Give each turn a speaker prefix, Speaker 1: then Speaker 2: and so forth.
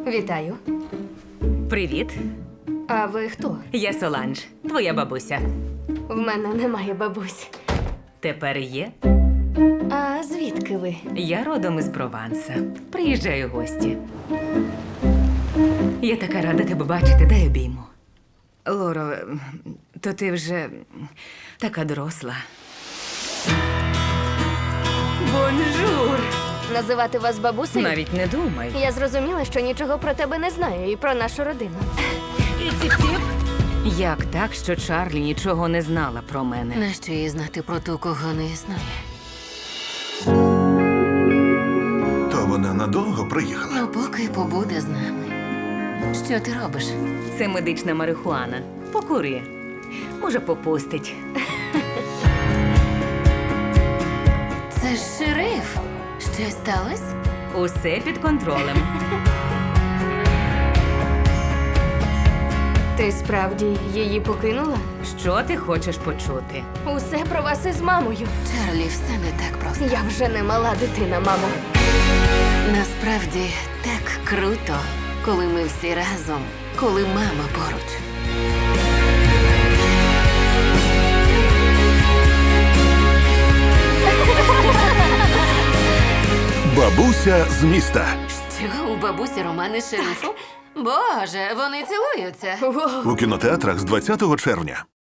Speaker 1: Вітаю.
Speaker 2: Привіт,
Speaker 1: А ви хто?
Speaker 2: я Соланж, твоя бабуся.
Speaker 1: В мене немає бабусь.
Speaker 2: Тепер є.
Speaker 1: А звідки ви?
Speaker 2: Я родом із Прованса. Приїжджаю в гості. Я така рада тебе бачити, дай обійму. Лоро, то ти вже така доросла. Бонжур!
Speaker 1: Називати вас бабусею?
Speaker 2: Навіть не думай.
Speaker 1: Я зрозуміла, що нічого про тебе не знаю і про нашу родину.
Speaker 2: І ціп-ціп. Як так, що Чарлі нічого не знала про мене?
Speaker 3: Нащо їй знати про ту, кого не існує?
Speaker 4: То вона надовго приїхала?
Speaker 3: Ну, поки побуде з нами. Що ти робиш?
Speaker 2: Це медична марихуана. Покури. Може, попустить.
Speaker 3: Це ж шериф. Щось сталося?
Speaker 2: Усе під контролем.
Speaker 1: Ти справді її покинула?
Speaker 2: Що ти хочеш почути?
Speaker 1: Усе про вас із мамою.
Speaker 3: Чарлі, все не так просто.
Speaker 1: Я вже не мала дитина, мамо.
Speaker 3: Насправді так круто, коли ми всі разом, коли мама поруч.
Speaker 4: Бабуся з міста.
Speaker 3: Що, у бабусі романи з шерифом? Боже, вони цілуються.
Speaker 1: Воу.
Speaker 4: У кінотеатрах з 20 червня.